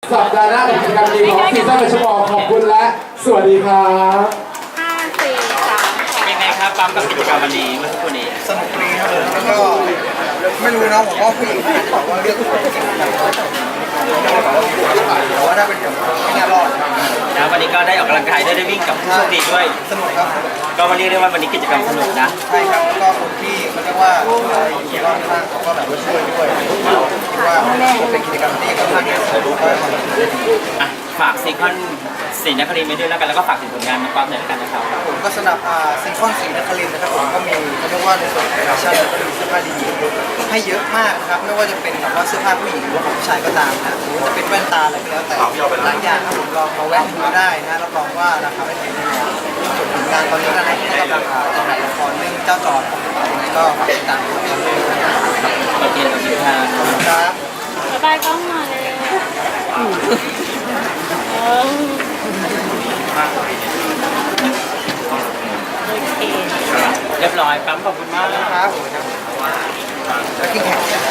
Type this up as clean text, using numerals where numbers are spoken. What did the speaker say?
สัปดาห์หน้ากิจกรรมดีของซีซั่นประชมขอบคุณและสวัสดีครับ 5 4 3 เป็นไงครับปั๊มกับกิจกรรมวันนี้เมื่อสักครู่นี้สนุกดีครับผมแล้วก็ไม่รู้นะผมว่าผู้หญิงอาจจะบอกว่าเลือกผู้หญิงจริงๆแต่ว่าถ้าเป็นผมไม่น่ารอดนะวันนี้ก็ได้ออกกำลังกายด้วยได้วิ่งกับผู้โชคดีด้วยสนุกครับก็มาเรียกได้ว่าวันนี้กิจกรรมสนุกนะใช่ครับแล้วก็คนที่เขาเรียกว่าอยู่รอบข้างเขาก็แบบว่าช่วยด้วยคิดว่าเป็นกิจกรรมที่ค่อนข้างที่จะสนุกและความสนุกดีอ่ะฝากซีคอนศรีนครินทร์ไว้ด้วยแล้วกันแล้วก็ฝากถึงผลงานน้องปั๊มหน่อยแล้วกันนะครับผมก็สนับซิงคอนสีนครินทร์นะครับผมก็มีเขาเรียกว่าในส่วนของแฟชั่นแล้วก็มีเสื้อผ้าดีๆให้เยอะมากนะครับไม่ว่าจะเป็นแบบว่าเสื้อผ้าผู้หญิงหรือว่าของผู้ชายก็ตามนะหรือว่าจะเป็นแว่นตาอะไรก็แล้วแต่หลายอย่างครับผมลองมาแวะดูได้นะรับรองว่าราคาไม่แพงแน่นอนส่วนผลงานตอนนี้นะครับก็กำลังจะถ่ายละครเรื่องเจ้าจอดยังไงก็ฝากติดตามด้วยนะครับโอเคขอบคุณครับครับบ๊ายบายกล้องมาเลยโอเคเรียบร้อยปั๊มขอบคุณมากครับผมครับแล้วกินแข่ง